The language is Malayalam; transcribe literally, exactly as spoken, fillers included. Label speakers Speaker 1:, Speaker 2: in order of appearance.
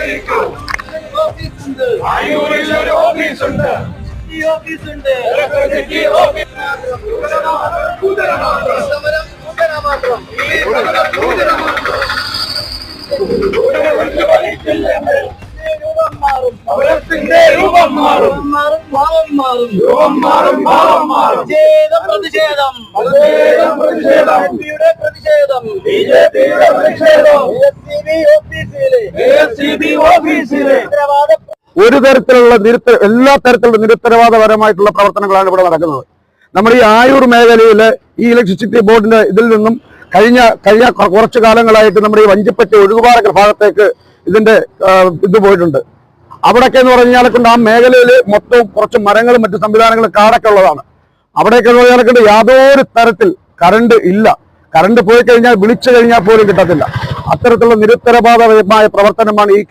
Speaker 1: ആയൂരിൽ ഒരു ഓഫീസുണ്ട്. സമരത്തിന്റെ രൂപം മാറും, ഭാവം മാറും, രൂപം മാറും, ഭാവം മാറും. പ്രതിഷേധം പ്രതിഷേധം പ്രതിഷേധം ബി ജെ പിയുടെ പ്രതിഷേധം ഓഫീസിലെ
Speaker 2: ഒരു തരത്തിലുള്ള നിരുത്ത എല്ലാ തരത്തിലുള്ള നിരുത്തരവാദപരമായിട്ടുള്ള പ്രവർത്തനങ്ങളാണ് ഇവിടെ നടക്കുന്നത്. നമ്മുടെ ഈ ആയൂർ മേഖലയിലെ ഈ ഇലക്ട്രിസിറ്റി ബോർഡിന്റെ ഇതിൽ നിന്നും കഴിഞ്ഞ കഴിഞ്ഞ കുറച്ചു കാലങ്ങളായിട്ട് നമ്മുടെ ഈ വഞ്ചിപ്പറ്റ ഒഴുകുപാറ ഭാഗത്തേക്ക് ഇതിന്റെ ഇത് പോയിട്ടുണ്ട്. അവിടെയൊക്കെ എന്ന് പറഞ്ഞാൽ കൊണ്ട് ആ മേഖലയിൽ മൊത്തം കുറച്ച് മരങ്ങളും മറ്റു സംവിധാനങ്ങളും കാടൊക്കെ ഉള്ളതാണ്. അവിടെയൊക്കെ എന്ന് പറഞ്ഞാൽ കൊണ്ട് യാതൊരു തരത്തിൽ കറണ്ട് ഇല്ല. കറണ്ട് പോയി കഴിഞ്ഞാൽ വിളിച്ചു കഴിഞ്ഞാൽ പോലും കിട്ടത്തില്ല. അത്തരത്തിലുള്ള നിരുത്തരവാദപരമായ പ്രവർത്തനമാണ് ഈ